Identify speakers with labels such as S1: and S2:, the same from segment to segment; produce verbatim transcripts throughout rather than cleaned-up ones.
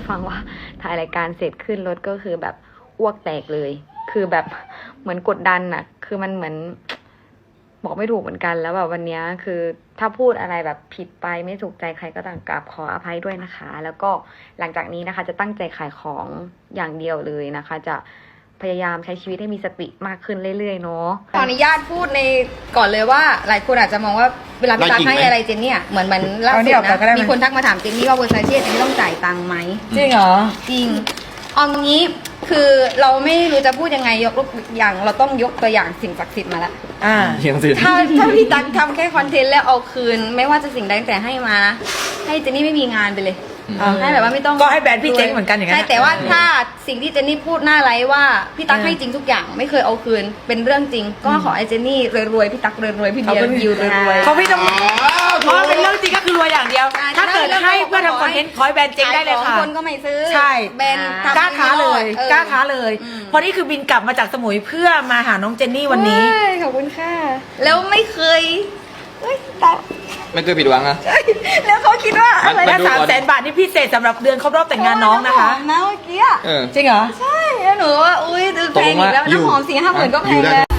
S1: ฟังว่าถ่ายรายการเสร็จขึ้นรถก็คือแบบอ้วกแตกเลยคือแบบเหมือนกดดันอะคือมันเหมือนบอกไม่ถูกเหมือนกันแล้วแบบวันนี้คือถ้าพูดอะไรแบบผิดไปไม่ถูกใจใครก็ต้องกราบขออภัยด้วยนะคะ แล้วก็หลังจากนี้นะคะจะตั้งใจขายของอย่างเดียวเลยนะคะจะพยายามใช้ชีวิตให้มีสติมากขึ้นเรื่อยๆเนาะขออนุญาตพูดในก่อนเลยว่าหลายคนอาจจะมองว่าเวลาพี่ตั๊กให้อะไรเจนเนี่ยเหมือนมันล่าสุดนะมีคนทักมาถามเจนนี่ว่าเวอร์ซาเช่เจนนี่ต้องจ่ายตังค์ไหม
S2: จริงเหรอ
S1: จริงเอางี้คือเราไม่รู้จะพูดยังไงยกตัวอย่างเราต้องยกตัวอย่างสิ่งศักดิ์สิทธิ์มาละ
S2: อ่า
S1: ถ้าถ้าพี่ตั๊กทำแค่คอนเทนต์แล้วเอาคืนไม่ว่าจะสิ่งใดแต่ให้มานะให้เจนนี่ไม่มีงานไปเลยให้แบบว่าไม่ต้อง
S2: ก็ให้แบรนด์พี่เจ๊งเหมือนกันอย่างนั้น
S1: ใช่แต่ว่าถ้าสิ่งที่เจนนี่พูดหน้าไลฟ์ว่าพี่ตั๊กให้จริงทุกอย่างไม่เคยเอาคืนเป็นเรื่องจริงก็ขอไอ้เจนนี่รวยๆพี่ตั๊กรวยๆพี่เบียร์ยิวรวยๆ
S2: เขาพี่ต้องเพราะเป็นเรื่องจริงก็คือรวยอย่างเดียวถ้าเกิดให้เพื่อทำคอนเทนต์ขอให้แบรนด์เจ๊งได้เลยค่ะ
S1: คนก็ไม่ซื้อ
S2: ใช่
S1: แบรนด์
S2: กล้าท้าเลยกล้าท้าเลยเพราะนี่คือบินกลับมาจากสมุยเพื่อมาหาน้องเจนนี่วันนี้
S1: ขอบคุณค่ะแล้วไม่เคย
S3: ไม่เคยผิดหวังอะ
S1: แล้วเขาคิดว่าอะไร
S2: และสามแสนบาทนี่พิเศษสำหรับเดือนครบรอบแต่งงานน้องนะคะ
S1: นะเมื่อกี้
S2: จริงเหรอ
S1: ใช่แล้วหนูว่าอุ้ยแพงอีกแล้วน้ำหอมสี่ห้าหมื่นก็แพงแล้ว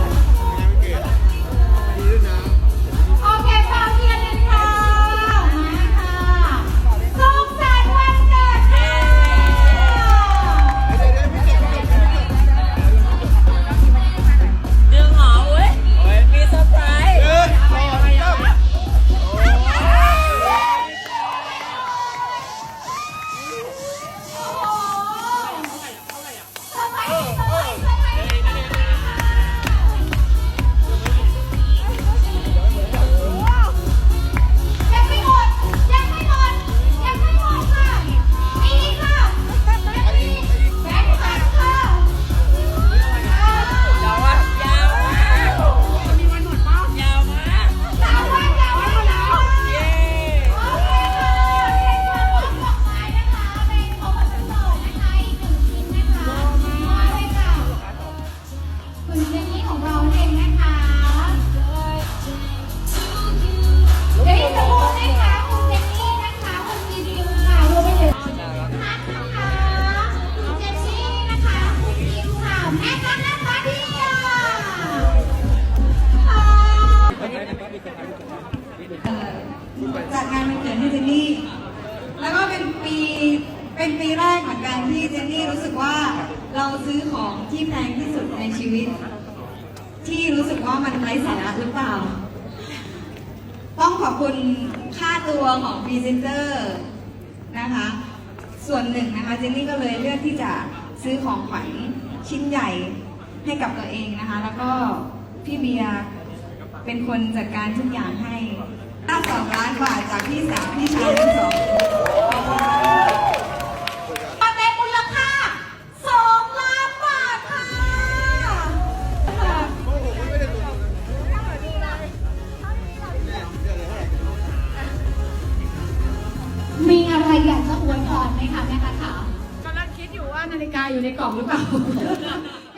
S4: โอเคพร้อมเรียนเลยค่ะมาค่ะสุขสันต์วันเกิดค่ะ
S2: ดึงหอมเว้ยมีเซอร์ไพรส์
S4: คุณเจนนี่ของเราเองนะคะเดี๋ยวอีกสักครู่นะคะคุณเจนนี่นะคะคุณมีดิวค่ะรวมไปถึงนัทนะคะคุณเจนนี่นะคะคุณดิวค่ะแม่กันนะคะเดียว
S5: จัดงานวันเกิดให้เจนนี่แล้วก็เป็นปีเป็นปีแรกเหมือนกันที่เจนนี่รู้สึกว่าเราซื้อของที่แพงที่สุดในชีวิตที่รู้สึกว่ามันไร้สาระหรือเปล่าต้องขอบคุณค่าตัวของพรีเซนเตอร์นะคะส่วนหนึ่งนะคะเจนนี่ก็เลยเลือกที่จะซื้อของขวัญชิ้นใหญ่ให้กับตัวเองนะคะแล้วก็พี่เบียร์เป็นคนจัดการทุกอย่างให้ตั้งสองล้านบาทจากพี่สาวพี่ชายทั้งสอง
S4: มาเป็นมูลค่าสองล้านบาทค่ะมีอะไรอยากจะอวยพรไหมคะแม่คะกำลังคิดอยู่ว่านาฬิกาอยู่ในกล่องหรือเปล่า